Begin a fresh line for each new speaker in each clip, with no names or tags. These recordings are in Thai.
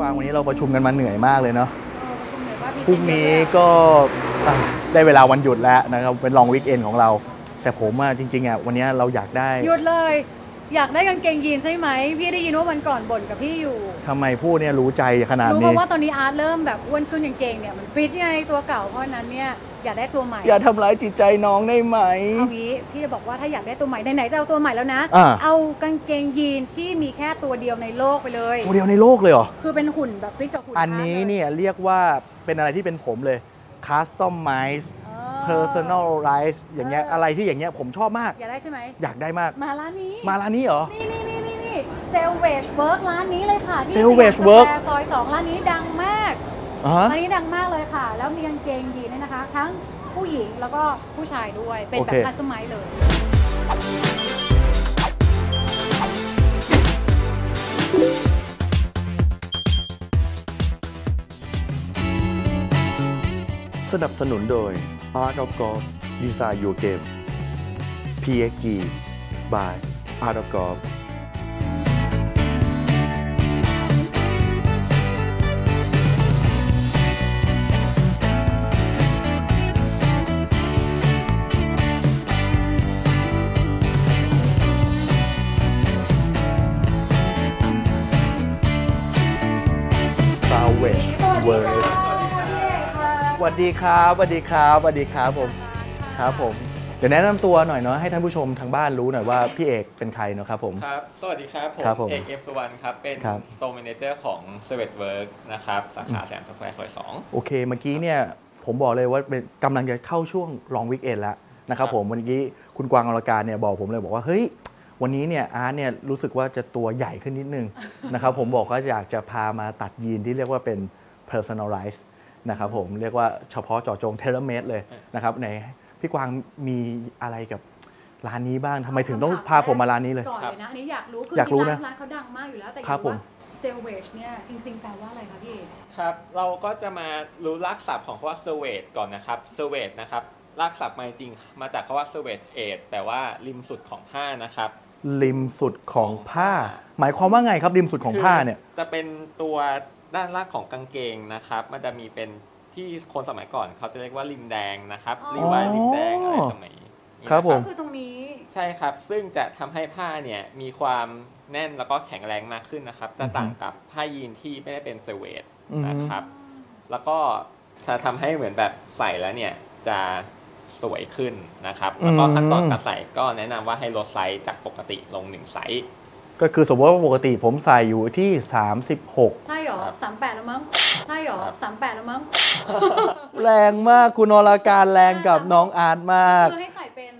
วางวันนี้เราประชุมกันมาเหนื่อยมากเลยเนาะ
ประชุมเหนื่อยว่า
พรุ่งนี้ก็ได้เวลาวันหยุดแล้วนะครับเป็นลองวีคเอนของเราแต่ผมจริงๆวันนี้เราอยากได้
หยุดเลยอยากได้กางเกงยีนใช่ไหมพี่ได้ยินว่าวันก่อนบ่นกับพี่อยู่
ทำไมพูดเนี่ยรู้ใจขนาดนี้
รู้เพราะว่าตอนนี้อาร์ตเริ่มแบบอ้วนขึ้นกางเกงเนี่ยมันฟิตไงตัวเก่าเพราะนั้นเนี่ยอยากได้ตัวใหม่
อย่าทำร้ายจิตใจน้องได้ไหม
เอางี้พี่จะบอกว่าถ้าอยากได้ตัวใหม่ไหนๆจะเอาตัวใหม่แล้วนะเอากางเกงยีนที่มีแค่ตัวเดียวในโลกไปเลย
ตัวเดียวในโลกเลยเหรอ
คือเป็นหุ่นแบบฟิตกับหุ่น
อันนี้เนี่ยเรียกว่าเป็นอะไรที่เป็นผมเลย customize personalize อย่างเงี้ยอะไรที่อย่างเงี้ยผมชอบมาก
อยากได้ใช่ไหม
อยากได้มาก
มาร้านนี้
เหรอ
นี่เซลเวจเวิร์กร้านนี้เลยค่ะที่
Salvage Work
ซอย2ร้านนี้ดังมากร้านนี้ดังมากเลยค่ะแล้วมีกางเกงยีนเนี่ยนะคะทั้งผู้หญิงแล้วก็ผู้ชายด้วยเป็นแบบคัสตอมไมซ์เลย
สนับสนุนโดย Art of Golf Design Your Game PXG by Art of Golf
Salvage Work สวัสดีครับผมครับผมเดี๋ยวแนะนำตัวหน่อยเนาะให้ท่านผู้ชมทางบ้านรู้หน่อยว่าพี่เอกเป็นใครเนาะครับผม
ครับสวัสดีครับผมเอกเอฟสุวรรณครับเป็น Store Manager ของ Salvage Work นะครับสาขาสยามสแควร์ซอย2
โอเคเมื่อกี้เนี่ยผมบอกเลยว่ากำลังจะเข้าช่วง Long Weekend แล้วนะครับผมวันนี้คุณกวางอรการเนี่ยบอกผมเลยบอกว่าเฮ้ยวันนี้เนี่ยอาร์ตเนี่ยรู้สึกว่าจะตัวใหญ่ขึ้นนิดนึงนะครับผมบอกว่าอยากจะพามาตัดยีนที่เรียกว่าเป็น personalize นะครับผมเรียกว่าเฉพาะเจาะจง tailor made เลยนะครับในพี่กวางมีอะไรกับร้านนี้บ้างทำไมถึงต้องพาผมมาร้านนี้เลย
ก่อนเลยนะอันนี้อยากรู้คือร้านเขาดังมากอยู่แล้วแต่
ครับผม
เซลเวจเนี่ยจริงๆแปลว่าอะไรคะพี่เอก
ครับเราก็จะมารู้รากศัพท์ของคำว่า Salvage ก่อนนะครับ Salvage นะครับรากศัพท์มาจริงมาจากคำว่า Salvage Edge แต่ว่าริมสุดของผ้านะครับ
ริมสุดของผ้าหมายความว่าไงครับริมสุดของผ้าเนี่ย
จะเป็นตัวด้านล่างของกางเกงนะครับมันจะมีเป็นที่คนสมัยก่อนเขาจะเรียกว่าริมแดงนะครับริมวายริมแดงอะไรสมัย
ครับผม
คือตรงนี้
ใช่ครับซึ่งจะทำให้ผ้าเนี่ยมีความแน่นแล้วก็แข็งแรงมากขึ้นนะครับจะต่างกับผ้ายีนที่ไม่ได้เป็นเซเวทนะครับแล้วก็จะทำให้เหมือนแบบใส่แล้วเนี่ยจะสวยขึ้นนะครับแล้วก็ขั้นตอนการใส่ก็แนะนำว่าให้ลดไซส์จากปกติลง1ไซส์
ก็คือสมมติว่าปกติผมใส่อยู่ที่36
ใช่หรอ38แล้วมั้งใช่หรอ38แล้วมั้ง
แรงมากคุณอรการแรงกับน้องอาร์ตมาก
คือให้ใส่เป็น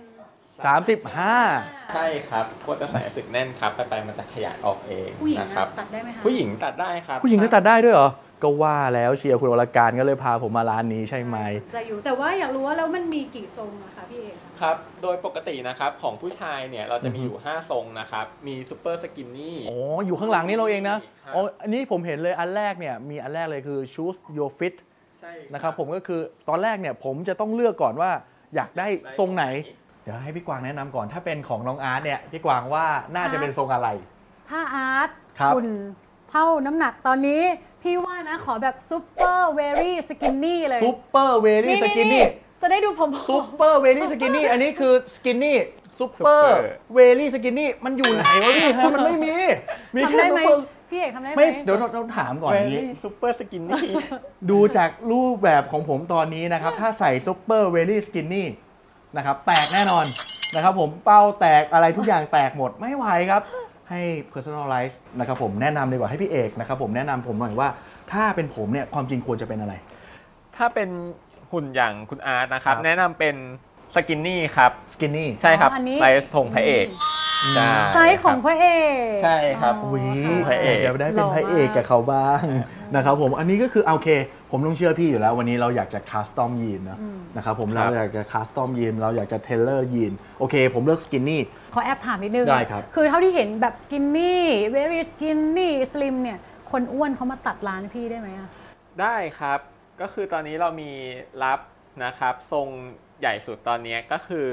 35
ใช่ครับก็จะใส่สึกแน่นครับไปมันจะขยายออกเองนะครับ
ตัดได้ไหมคะ
ผู้หญิงตัดได้ครับ
ผู้หญิงก็ตัดได้ด้วยเหรอก็ว่าแล้วเชียร์คุณอรการก็เลยพาผมมาร้านนี้ใช่ไหม
จะอยู่แต่ว่าอยากรู้ว่าแล้วมันมีกี่ทรงอะคะพี่เอก
ครับโดยปกตินะครับของผู้ชายเนี่ยเราจะมีอยู่5ทรงนะครับมีซูเปอร์สกินนี่
อ๋ออยู่ข้างหลังนี่เราเองนะอ๋ออันนี้ผมเห็นเลยอันแรกเนี่ยมีอันแรกเลยคือ choose your fit
ใช่
นะครับผมก็คือตอนแรกเนี่ยผมจะต้องเลือกก่อนว่าอยากได้ทรงไหนเดี๋ยวให้พี่กวางแนะนำก่อนถ้าเป็นของน้องอาร์ตเนี่ยพี่กวางว่าน่าจะเป็นทรงอะไร
ถ้าอาร์ตคุณเท่าน้ำหนักตอนนี้พี่ว่านะขอแบบซูเปอร์เวรี่สกินนี่เลย
ซูเปอร์เวรี่สกินนี่
จะได้ดูผม
ซูเปอร์เวลี่สกินนี่อันนี้คือสกินนี่ซูเปอร์เวลี่สกินนี่มันอยู่ไหนวะพี่ฮะมันไม่มี
แค่ซูเปอร์พี่เอกทำได้ไหม
ไม่เดี๋ยวเราถามก่อนนี้
ซูเปอร์สกินนี่
ดูจากรูปแบบของผมตอนนี้นะครับถ้าใส่ซูเปอร์เวลี่สกินนี่นะครับแตกแน่นอนนะครับผมเป้าแตกอะไรทุกอย่างแตกหมดไม่ไหวครับให้ personalize นะครับผมแนะนำดีกว่าให้พี่เอกนะครับผมแนะนำผมหน่อยว่าถ้าเป็นผมเนี่ยความจริงควรจะเป็นอะไร
ถ้าเป็นหุ่นอย่างคุณอาร์ตนะครับแนะนำเป็นสกินนี่ครับ
สกินนี่
ใช่ครับไซส์ของพระเอก
ไซส์ของพระเอก
ใช่ครับ
พระเอกจะได้เป็นพระเอกกับเขาบ้างนะครับผมอันนี้ก็คือโอเคผมต้องเชื่อพี่อยู่แล้ววันนี้เราอยากจะคัสตอมยีนนะครับผมเราอยากจะคัสตอมยีนเราอยากจะเทเลอร์ยีนโอเคผมเลือกสกินนี่
ขอแอบถามนิดนึง
ได้ครับ
คือเท่าที่เห็นแบบสกินนี่ very skinny slim เนี่ยคนอ้วนเขามาตัดร้านพี่ได้ไหม
ได้ครับก็คือตอนนี้เรามีรับนะครับทรงใหญ่สุดตอนนี้ก็คือ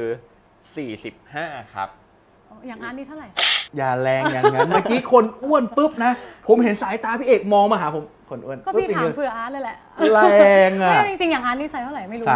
45ครับ
อย่างอันนี้เท่าไหร่
อย่าแรงอย่างนั้นเมื่อกี้คนอ้วนปุ๊บนะผมเห็นสายตาพี่เอกมองมาหาผมคนอ้วน
ก็พี่ถามเผื่ออาร์ตเลยแหละ
แรงอ่ะ
ไม่จริงๆอย่างอาร์ตนี่ไซส์เท่าไหร่ไม่รู้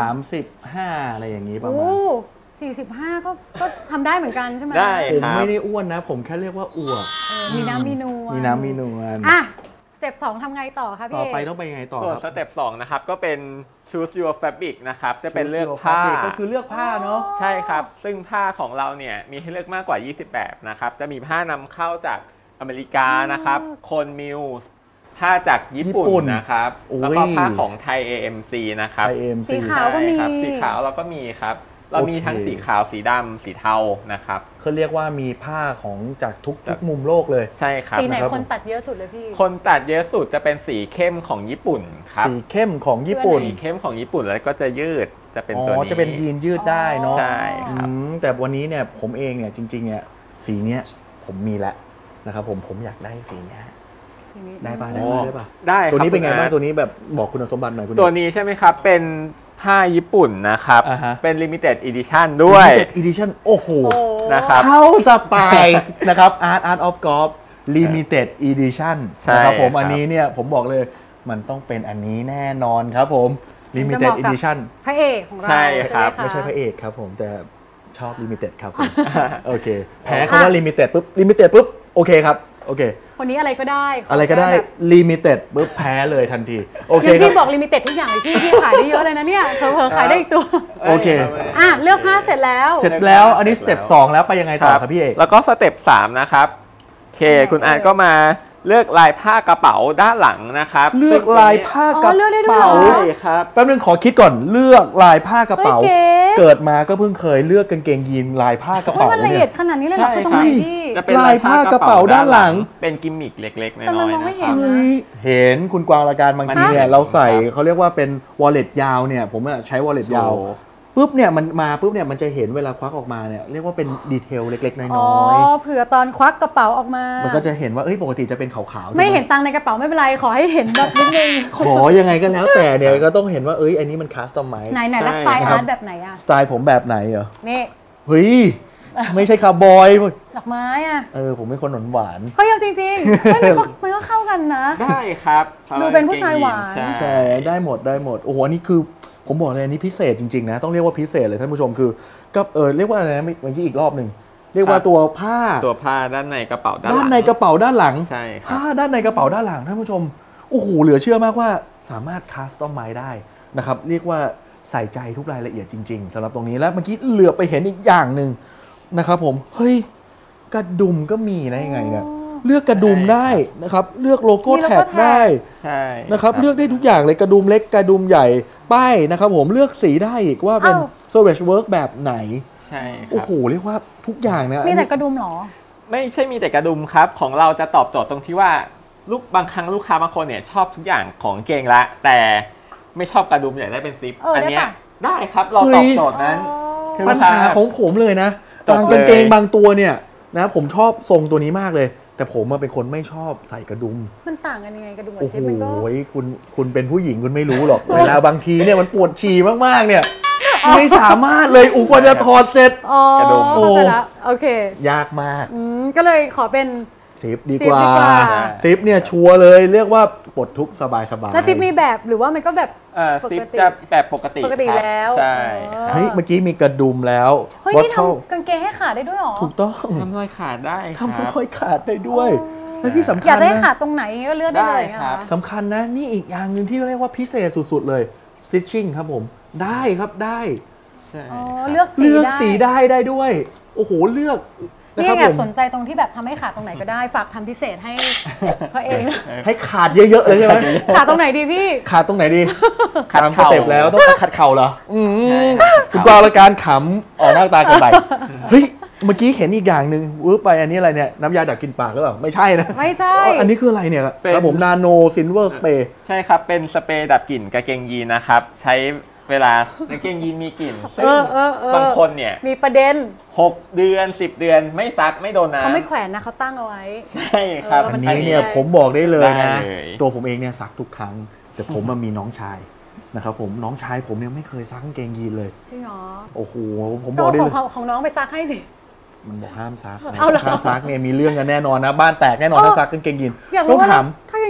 35อะไรอย่างนี้ประมา
โอ้
ณ
45ก็ทำได้เหมือนกันใช่ไหม
ได้
ผม
ครับ
ไม่ได้อ้วนนะ ผมแค่เรียกว่าอวบ
มีน้ำมีนวล
มีน้ำมีนวล
อ่ะสเต็ป2ทำไงต่อคะพี่
ต่อ
เอก
ไปต้องไปยังไงต่อ
ส่วน
ค
ส
รับ
เต็ป2นะครับก็เป็น choose your fabric นะครับจะเป็น
Choose
เลือก
your
ผ้า
fabric ก็คือเลือกผ้าเนาะ
ใช่ครับ ซึ่งผ้าของเราเนี่ยมีให้เลือกมากกว่า 20 แบบนะครับ จะมีผ้านำเข้าจากอเมริกานะครับ โคนมิลส์ผ้าจากญี่ปุ่
ญี่ปุ่
น
น
นะครับ
โอ้ย
แล้วก็ผ้าของไทย AMC นะครับ
ไอเอ็ม
สี
ซี
ขาวก็มี
ใช่ครับสีขาวเราก็มีครับ เรามีทั้ง
โอเค
สีขาว สีดำ สีเทานะครับ
เขาเรียกว่ามีผ้าของจากทุกมุมโลกเลย
ใช่ครับ
สีไหน
นะครับ
คนตัดเยอะสุดเลยพี่
คนตัดเยอะสุดจะเป็นสีเข้มของญี่ปุ่นครับ
สีเข้มของญี่ปุ่น
สีเข้มของญี่ปุ่นแล้วก็จะยืดจะเป็น
อ๋
ตัว
อ
นี้
จะเป็นยีนยืดได้เนาะ
ใช่ครับ
แต่วันนี้เนี่ยผมเองเนี่ยจริงๆเนี่ยสีเนี้ยผมมีแล้วนะครับผมอยากได้สีเนี้ยได้ป่ะได้
โอ้
ป่ะได้ป่ะ
ได้ครับ
ตัวนี้เป็นไง
คุณ
บ้าง
อาร์ต
ตัวนี้แบบบอกคุณสมบัติหน่อยคุณ
ตัวนี้ใช่ไหมครับ เป็นผ้าญี่ปุ่นนะครับ
อ่าฮะ
เป็น limited edition ด้วย
Limited Edition โอ้โห
โอ้
นะครับ
เข้าสไตล์นะครับ Art of Golf Limited Edition
ใช่
นะครับผม
ครับ
อันนี้เนี่ยผมบอกเลยมันต้องเป็นอันนี้แน่นอนครับผม Limited Edition
พระเอกของเรา
ใช่ครับ
ห
ไม่ใช่พระเอกครับผมแต่ชอบ Limited ครับผม โอเคแพ้คำว่า Limited ปุ๊บ Limited ปุ๊บโอเคครับโอเค
คนนี้อะไรก็ได้ข
อะไรก็ได้
แค่แบบ
Limited ปุ๊บแพ้เลยทันทีโอเค
งั้น
ครั
พี่
บ
บอกลิมิเต็ดทุกอย่างเลยพี่ขายได้เยอะเลยนะเนี่ยเผลอๆขายได้อีกตัว
โอเค
อ่ะเลือกผ้าเสร็จแล้ว
เสร็จแล้วอันนี้สเต็ป2แล้วไปยังไงต่อครับพี่เอก
แล้วก็สเต็ป3นะครับโอเค คุณอาร์ตก็มาเลือกลายผ้ากระเป๋าด้านหลังนะครับ
เลือกลายผ้ากระ
อ๋อเลือกได้ด้วย
เป๋า
เหรอ
ใช่ครับ
แป๊บนึงขอคิดก่อนเลือกลายผ้ากระเป๋า
เฮ้ยเก๋
เกิดมาก็เพิ่งเคยเลือกกางเกงยีนลายผ้ากระ
โอ้ย
เป๋า
มันละเอี
เนี่ย ย
ดขนาดนี้เลยเหรอ
ใช่
คือตรงไหน
ครับ
พี่
จะเป็น
ลายผ้ากระเป๋าด้านหลัง
เป็นกิมมิคเล็กๆ น้
แต่มัน
อย
มอง
ๆ
ไม่
นะ
เห็
คน รับ
นะ
เฮ้ยเห็นคุณกวางละการบางทีเนี่ย
มัน
เราใส่
ครับ
เขาเรียกว่าเป็น wallet ยาวเนี่ยผมอะใช้ wallet ยาว
โชว์
ปุ๊บเนี่ยมันมาปุ๊บเนี่ยมันจะเห็นเวลาควักออกมาเนี่ยเรียกว่าเป็นดีเทลเล็กๆ
อ๋
น้
อ
อย
เผื่อตอนควักกระเป๋าออกมา
ๆมันก็จะเห็นว่าเอ้ยปกติจะเป็นขาวๆ
ไม่
ใช่
เห็นตังค์ในกระเป๋าไม่เป็นไรขอให้เห็นแบบนิดนึง
ขอยังไงก็แล้วแต่เนี่ยก็ต้องเห็นว่าเอ้ยอันนี้มันคัสตอมไมซ์
ไหนแล้วสไตล์
ครั
อา
บ
ร์ตแบบไหนอ่ะ
สไตล์ผมแบบไหนเหรอ
นี่
เฮ้ยไม่ใช่คาร์บอย
ดอกไม้อ่ะ
ผมเป็นคนหวาน
เฮ้ยเอาจริงๆเฮ้ยมันก็เข้ากันนะ
ได้ครับ
ดูเป็นผู้ชายหวาน
ใช่
ใช่ได้หมดได้หมดโอ้โหอันนี้คือผมบอกเลยอันนี้พิเศษจริงๆนะต้องเรียกว่าพิเศษเลยท่านผู้ชมคือก็เรียกว่าอะไรนะเมื่อกี้อีกรอบหนึ่งเรียกว่าตัวผ้า
ตัวผ้าด้านในกระเป๋าด้านห
ด้า
ลั
น
ง
ในกระเป๋าด้านหลัง
ใช่ครับ
ผ้าด้านในกระเป๋าด้านหลังท่านผู้ชมโอ้โหเหลือเชื่อมากว่าสามารถคัสตอมไมซ์ได้นะครับเรียกว่าใส่ใจทุกรายละเอียดจริง ๆสำหรับตรงนี้แล้วเมื่อกี้เหลือไปเห็นอีกอย่างหนึ่งนะครับผมเฮ้ยกระดุมก็มีนะยังไงเนี่ยเลือกกระดุมได้นะครับเลือกโลโก้
มีโลโก้
แท็ก
แท็ก
ได้
ใช่
นะครับเลือกได้ทุกอย่างเลยกระดุมเล็กกระดุมใหญ่ป้ายนะครับผมเลือกสีได้อีกว่าเป็น Savage Work แบบไหน
ใช่ค
โอ้
รับ
โหเรียกว่าทุกอย่างนะ
มีแต่กระดุมเหรอ
ไม่ใช่มีแต่กระดุมครับ ของเราจะตอบโจทย์ตรงที่ว่าบางครั้งลูกค้าบางคนเนี่ยชอบทุกอย่างของเกงละ แต่ไม่ชอบกระดุมอยากได้เป็นซิป
ได้
เนี้ย
ปะ
ได้ครับเราตอบโจทย์นั้น คือ
ปัญหาของผมเลยนะ
จบเลย
บางกางเกงบางตัวเนี่ยนะผมชอบทรงตัวนี้มากเลย แต่ผมเป็นคนไม่ชอบใส่กระดุม
มันต่างกันยังไงกระดุมกับ
โอ้โห
ซิปมันก็
คุณเป็นผู้หญิงคุณไม่รู้หรอก เวลาบางทีเนี่ยมันปวดฉี่มากๆเนี่ยไม่สามารถเลยกว่าจะถอดเสร็จ
อ๋อก
ระดุม
เข้าใจละโอเค
ยากมาก
ก็เลยขอเป็น
ซิปดีกว่า
ซิปดีกว่า
ซิปเนี่ยชัวร์เลยเรียกว่าปลดทุกข์สบายๆ
แล้วซิปมีแบบหรือว่ามันก็แบบ
ซิป
ปกติ
จะแบบปกติ
ปกติ
ครับ
แล้ว
ใช่
อ๋อ
ครับ
เฮ้ยเมื่อกี้มีกระดุมแล้ว
เฮ้ย
วัต
นี่
เทิล
ทำกางเกงให้ขาดได้ด้วยเหรอ
ถูกต้อง
ทำรอยขาดได้ค
ทำ
รับ
รอยขาดได้ด้วย และที่สำ
อ
คั
ยา
ญ
กได้
นะ
ขาดตรงไหนก็เลือกได้เลย
ได้
อะ
ครับ
สำคัญนะนี่อีกอย่างหนึ่งที่เรียกว่าพิเศษสุดๆเลย stitching ครับผมได้ครับได้
ใช่
อ๋อ
ครับ
เลือกสี
เลือก
ได้
สีได้ด้วย โอ้โหเลือกนะ
นี่
ครับ
แอ
ผ
บ
ม
สนใจตรงที่แบบทำให้ขาดตรงไหนก็ได้ ฝากทำพิเศษให้พระเอง
ให้ขาดเยอะๆเลยใช่ไหม
ขาดตรงไหนดีพี่
ขาดตรงไหนดี
ขัด
ตามส
เข่า
เต็ปแล้วต้องขัดเข่าเหรอคุณกวางละการขำออกหน้าตากันไปเฮ้ยเมื่อกี้เห็นอีกอย่างหนึ่งวืบไปอันนี้อะไรเนี่ยน้ำยาดับกลิ่นปากหรือเปล่าไม่ใช่นะ
ไม่ใช่
อันนี้คืออะไรเนี่ยครับผมนาโนซิลเวอร์สเปรย์
ใช่ครับ เป็นสเปรย์ดับกลิ่นกางเกงยีนนะครับ ใช้เวลากางเกงยีนมีกลิ่นซึ่งบางคนเนี่ย
มีประเด็น
6 เดือน 10 เดือนไม่ซักไม่โดนน้ำ
เขาไม่แขวนนะเขาตั้งเอาไว้
ใช่ครับ
เออ
อั
มัน
นี้เนี่ย
ได้
ผมบอกได้เลยนะ
ได้เลย
ตัวผมเองเนี่ยซักทุกครั้ง แต่ผมมันมีน้องชายนะครับผมน้องชายผมเนี่ยไม่เคยซักกางเกงยีนเลย
จริงเหรอ
โอ้โหผมบ
ก็
อกได้
ข
เล
อย งของน้องไปซักให้สิ
มันบอกห้ามซัก
เอาเหรอ
ห้ามซักเนี่ยมีเรื่องกันแน่นอนนะบ้านแตกแน่นอนถ้าซักกางเกงยีน
อยาก
ต้อ
รู้
ง
ว่า
ถาม
ถ้ากาง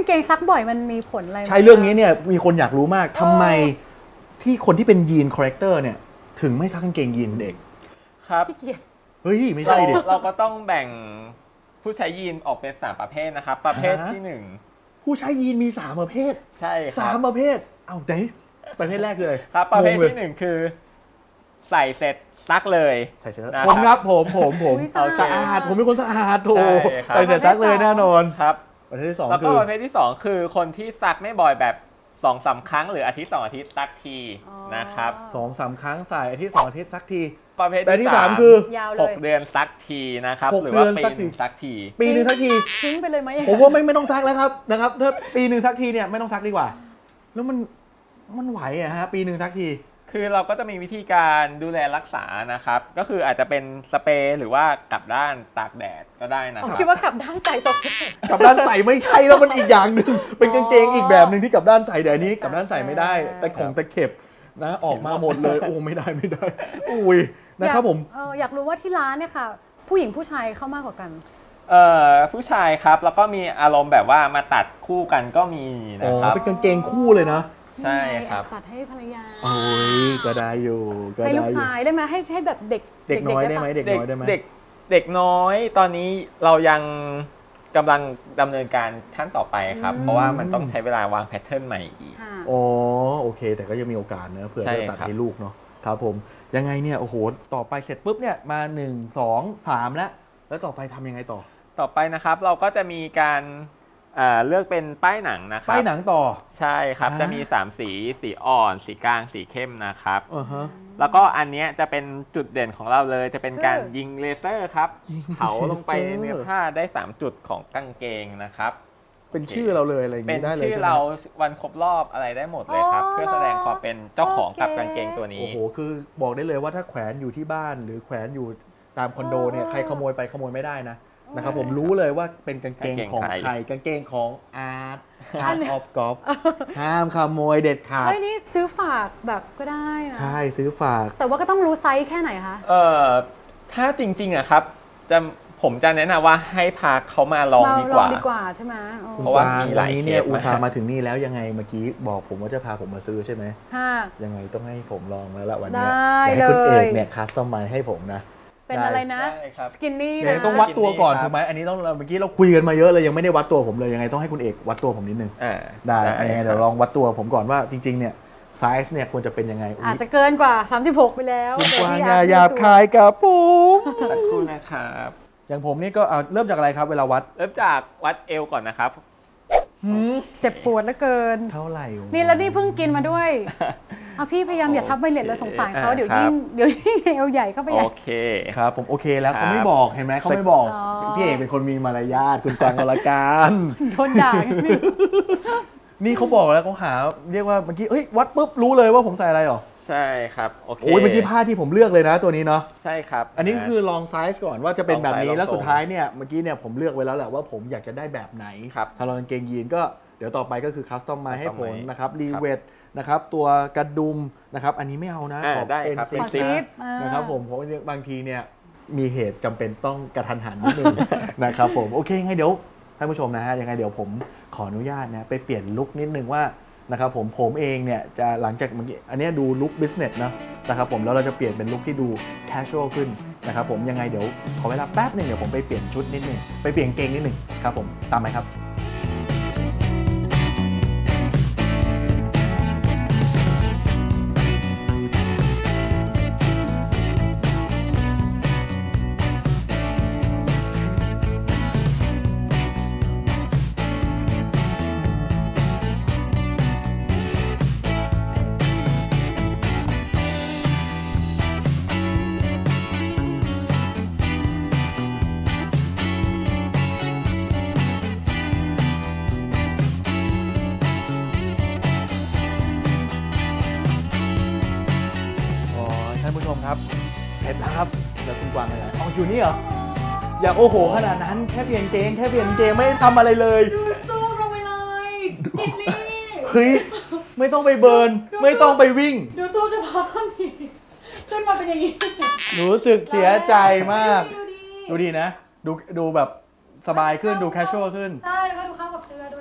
างเกงซักบ่อยมันมีผลอะไรไหม
ใช่เรื่องนี้เนี่ยมีคนอยากรู้มากทำไมที่คนที่เป็นยีนคาแรคเตอร์เนี่ยถึงไม่ซักกางเกงยีนคุณเอก
ครับ
ขี้เกียจ
เฮ้ยไม่ใช่ดิ
เราก็ต้องแบ่งผู้ใช้ยีนออกเป็น3ประเภทนะครับประเภทที่
ผู้ใช้ยีนมี3ประเภท
1ใช่ครั
สามประเภทเอาไหนประเภทแรกเลย
ครับประเภท
งงลย
ที่1คือใส่เสร็จซักเลย
ใส่เสื้อ
นะครับ
ผมครับผม
อุ๊ย
เอา
สะอาดผมเป็นคนสะอาดโถ
ใช่ครับ
ใส่เสร็จซักเลยแน่นอน
ครับ
ประเภทที่สอง
แล้ว
คื
ก็
อ
ประเภทที่2คือคนที่ซักไม่บ่อยแบบ2-3 ครั้งหรืออาทิตย์2 อาทิตย์ซักทีนะครับ
2-3 ครั้งใส่อาทิตย์2 อาทิตย์ซักที
ประเภท
แบบที่
ที่
สาม
3
คือ
ยาวเลย
6 เดือนซักทีนะครับ
6
หรือว่า
เดือน
ปี
ซัก
ห
ที
นึ่งซักที
ปีหนึ่งซักที
ทิ้งไปเลยไหม
ผมว่าไม่ต้องซักแล้วครับนะครับถ้าปีหนึ่งซักทีเนี่ยไม่ต้องซักดีกว่า แล้วมันไหวอะฮะปีหนึ่งซักที
คือเราก็จะมีวิธีการดูแลรักษานะครับ ก็คืออาจจะเป็นสเปรย์หรือว่ากลับด้านตากแดดก็ได้นะ
ผม
ครับ
คิดว่ากลับด้านใส่ตก
กลับด้านใส่ไม่ใช่แล้วมันอีกอย่างหนึ่งเป็นกางเกงอีกแบบหนึ่งที่กลับด้านใส่แต่อันนี้กลับด้านใส่ไม่ได้แต่ของตะเข็บนะออกมาหมดเลยโอ้ไม่ได้อุ้ยนะครับผม
อยากรู้ว่าที่ร้านเนี่ยค่ะ ผู้หญิงผู้ชายเข้ามากกว่ากัน
ผู้ชายครับแล้วก็มีอารมณ์แบบว่ามาตัดคู่กันก็มี
อ๋
นะ
อ
ครับ
เป็นกางเกงคู่เลยนะ
ใช่ครับ
ตัดให้ภรรยา
โอ้ยก็ได้อยู่ก็
ให้
ได้
ลูก
อยู่
ชายได้ไหมให้แบบเด็ก
เด็กน้อยได้ไหม
ปะ
เด็กน้อยได้ไหม
เด็กน้อยตอนนี้เรายังกำลังดำเนินการขั้นต่อไปครับ เพราะว่ามันต้องใช้เวลาวางแพทเทิร์นใหม่อีก
ค่ะ
อ๋อโอเค แต่ก็ยังมีโอกาสเนอะเผื่อ
ใช่
จะตัด
ครับ
ให้ลูกเนาะครับผมยังไงเนี่ยโอ้โหต่อไปเสร็จปุ๊บเนี่ยมา1 2 3แล้วต่อไปทำยังไงต่อ
ต่อไปนะครับเราก็จะมีการเลือกเป็นป้ายหนังนะครับ
ป้ายหนังต่อ
ใช่ครับ
อ่า
จะมี3สีสีอ่อนสีกลางสีเข้มนะครับ
ฮะ
แล้วก็อันเนี้ยจะเป็นจุดเด่นของเราเลย จะเป็นการยิงเลเซอร์ครับ
ยิง
เผาลงไปในเนื้อผ้าได้3จุดของกางเกงนะครับ
เป็นชื่อเราเลยอะไรอย่าง
เป็น
นี้ได้เลย
ชื่อ
ใช่ไหม
เราวันครบรอบอะไรได้หมดเลยครับ เพื่อแสดงความเป็นเจ้าของกับกางเกงตัวนี้
โอ้โหคือบอกได้เลยว่าถ้าแขวนอยู่ที่บ้านหรือแขวนอยู่ตามคอนโดเนี่ยใครขโมยไปขโมยไม่ได้นะครับผมรู้เลยว่าเป็นกางเกงของใครกางเกงของอาร์ตออฟกอล์ฟห้ามขโมยเด็ดขาด
เฮ้ยนี่ซื้อฝากแบบก็ได้นะ
ใช่ซื้อฝาก
แต่ว่าก็ต้องรู้ไซส์แค่ไหนคะ
ถ้าจริงๆอะครับผมจะแนะนำว่าให้พาเขามาลองดีกว่า
ดีกว่าใช่ไหมอ๋อ
เพราะว่ามีหลาย
วันนี้เนี่ย
เคส
อุตส่าห์มาถึงนี่แล้วยังไงเมื่อกี้บอกผมว่าจะพาผมมาซื้อใช่ไหม
ค่ะ
ยังไงต้องให้ผมลองแล้วละวัน
ได้
นี้ให้คุณ
เลย
เอกเนี่ยคัสตอมไมให้ผมนะ
เป็นอะไรนะ
ได้ครับ
สกินนี่
เดี๋ยว
นะ
ต้องวัดตัวก่อน
ครับ
ถูกไหมอันนี้ต้องเมื่อกี้เราคุยกันมาเยอะเลยยังไม่ได้วัดตัวผมเลยยังไงต้องให้คุณเอกวัดตัวผมนิดนึงได้ยังไงเดี๋ยวลองวัดตัวผมก่อนว่าจริงๆเนี่ยไซส์เนี่ยควรจะเป็นยังไง
อาจจะเกินกว่า 36 ไปแล้ว
คุณกวาง
แต่
อ
ที่
ย่าหยาบ
ตัว
คายกับผม
สักครู่นะครับ
อย่างผมนี่ก็เริ่มจากอะไรครับเวลาวัด
เริ่มจากวัดเอวก่อนนะครับ
เจ็บปวดเหลือเกิน
เท่าไหร่
นี่แล้วนี่เพิ่งกินมาด้วยเอาพี่พยายามอย่าทับไวเลตเลยสงสารเขา
อ่า
เดี๋ยว
ครั
ยิ่
บ
งเอวใหญ่เข้าไปให
โอ
ญ่
เค
ครับผมโอเคแล้ว
ครับ
เขาไม่บอกเห็นไหมเขาไม่บอก
อ๋อ
พี่เอกเป็นคนมีมารยาทคุณกวางอรการ
โดนด่า
นี่เขาบอกแล้วเขาหาเรียกว่าเมื่อกี้เฮ้ยวัดปุ๊บรู้เลยว่าผมใส่อะไรหรอ
ใช่ครับโอเค
โอ้ยเมื่อกี้ผ้าที่ผมเลือกเลยนะตัวนี้เนาะ
ใช่ครับ
อันนี้ก็คือลองไซส์ก่อนว่าจะเป็นแบบนี้
ลองไซส์
แล้ว
ลองทรง
สุดท้ายเนี่ยเมื่อกี้เนี่ยผมเลือกไว้แล้วแหละว่าผมอยากจะได้แบบไหน
ครับ
ถ้าเรากางเกงยีนก็เดี๋ยวต่อไปก็คือคัสตอมมาให้ผล
Customize
นะครับรีเวทนะครับตัวกระดุมนะครับอันนี้ไม่เอานะ ขอ
ได้
เป็น
ครับ
ซิป
ขอซิป
นะครับผมเพราะว่าบางทีเนี่ยมีเหตุจำเป็นต้องกระทันหันนิดนึง นะครับผมโอเคไงเดี๋ยวท่านผู้ชมนะฮะยังไงเดี๋ยวผมขออนุญาตนะไปเปลี่ยนลุคนิดนึงว่านะครับผมเองเนี่ยจะหลังจากเมื่อกี้อันเนี้ยดูลุคบิสเนสนะครับผมแล้วเราจะเปลี่ยนเป็นลุคที่ดูแคชชวลขึ้นนะครับผมยังไงเดี๋ยวขอเวลาแป๊บหนึงเดี๋ยวผมไปเปลี่ยนชุดนิดนึงไปเปลี่ยนเกงนิดนึงครับผมตามไหมครับ อ๋อท่านผู้ชมครับเสร็จแล้วครับแล้วคุณกวางอะไรอ๋ออยู่นี่เหรออยากโอ้โหขนาดนั้นแค่เปลี่ยนเกงไม่ได้ทำอะไรเลย
ดูสู้ลงไปเลยสกินนี่
เฮ้ยไม่ต้องไปเบิร์นไม่ต้องไปวิ่ง
ดูสู้เฉพาะท่อนนี้ขึ้นมาเป็นอย่างนี้
รู้สึกเสียใจมาก
ดูดี
ดูดีนะดูแบบสบายขึ้นดูแคชชวลขึ้น
ใช่แล้วก็ดูเข้ากับเสื้อด้วยนะ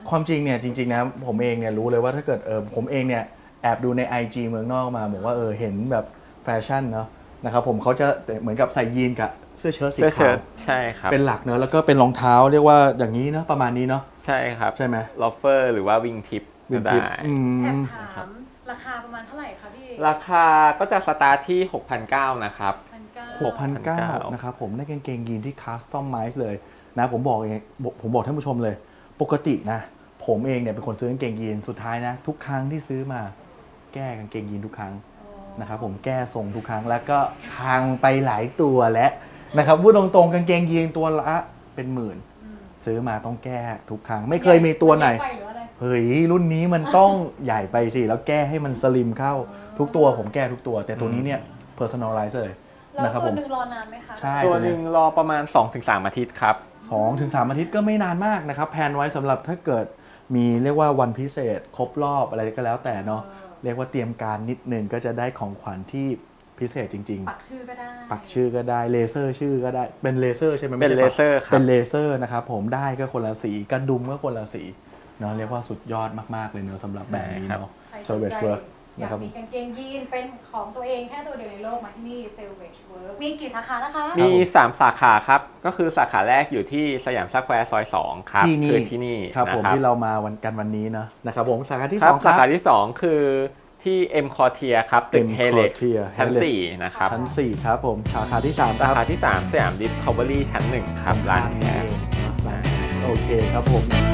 ความจริงเนี่ยจริงๆนะผมเองเนี่ยรู้เลยว่าถ้าเกิดผมเองเนี่ยแอบดูใน IG เมืองนอกมาบอกว่าเห็นแบบแฟชั่นเนาะนะครับผมเขาจะเหมือนกับใส่ยีนกับเสื้อเชิ้ตสี
เสื้อ
ขา
เชิ้
ว
ตใช่ครับ
เป็นหลักเนอะแล้วก็เป็นรองเท้าเรียกว่าอย่างนี้เนาะประมาณนี้เนาะ
ใช่ครับ
ใช่ไหม
ลอฟเฟอร์หรือว่าวิงทิป
วิ
ก็
นทิป
ได้
แอบถามราคาประมาณเท่าไหร่คะพี่
ราคาก็จะสตาร์ทที่ 6,900 นะครับ
6,900 นะครับผมได้กางเกงยีนที่คัสตอมไมซ์เลยนะผมบอกท่านผู้ชมเลยปกตินะผมเองเนี่ยเป็นคนซื้อกางเกงยีนสุดท้ายนะทุกครั้งที่ซื้อมาแก้กางเกงยีนทุกครั้งนะครับผมแก้ทรงทุกครั้งแล้วก็พังไปหลายตัวแล้วนะครับพูดตรงๆกางเกงยีนตัวละเป็นหมื่นซื้อมาต้องแก้ทุกครั้งไม่เคยมีตัวไหนเฮ้ยรุ่นนี้มันต้องใหญ่ไปสิแล้วแก้ให้มันสลิมเข้าทุกตัวผมแก้ทุกตัวแต่ตัวนี้เนี่ย personalize เลย
แล้ว
นะครับ
ตั
ผ
ว
ม
หนึ่งรอนานไหมคะ
ใช่
ตัวหนึ่งรอประมาณ 2-3 อาทิตย์ครับ
2-3 อาทิตย์ก็ไม่นานมากนะครับแพลนไว้สำหรับถ้าเกิดมีเรียกว่าวันพิเศษครบรอบอะไรก็แล้วแต่เนาะเรียกว่าเตรียมการนิดนึงก็จะได้ของขวัญที่พิเศษจริงๆ
ปักชื่อก็ได้
ปักชื่อก็ได้เลเซอร์ชื่อก็ได้เป็นเลเซอร์ใช่ไหม
เป็น
ไม่
เล
ใช่ปัก
เซอร์ครับ
เป็นเลเซอร์นะครับผมได้ก็คนละสีกระดุมก็คนละสีเนาะเรียกว่าสุดยอดมากๆเลยเนาะสำหรับแบรนด์นี้เนาะ
ใครสนใจ
Savage Work
อยา
นะ
ก
ครับ
มีกางเกงยีนเป็นของตัวเองแค่ตัวเดียวในโลกมาที่นี่ Savage Work มีกี่สาขานะคะ
มี 3 สาขาครับ ก็คือสาขาแรกอยู่ที่สยามสแควร์ซอย 2 ครับ
ที่นี่
คือที่นี่
ครับ
นะ
ผม
ครับ
ที่เรามาวันนี้เนาะนะครับผมสาขาที่
ครั
2
บ
ค
สา
รับ
ขาที่ 2 คือที่ M Quartier ครับ ตึก
M
Helix
Quartier
ชั้น
Helix
4 นะครับ
ชั้น 4 ครับผมสาขาที่ 3 ค
สา
รับ
ขาที่ 3 สยาม Discovery ชั้น 1 ครับ ร้านแคส
โอเคครับผม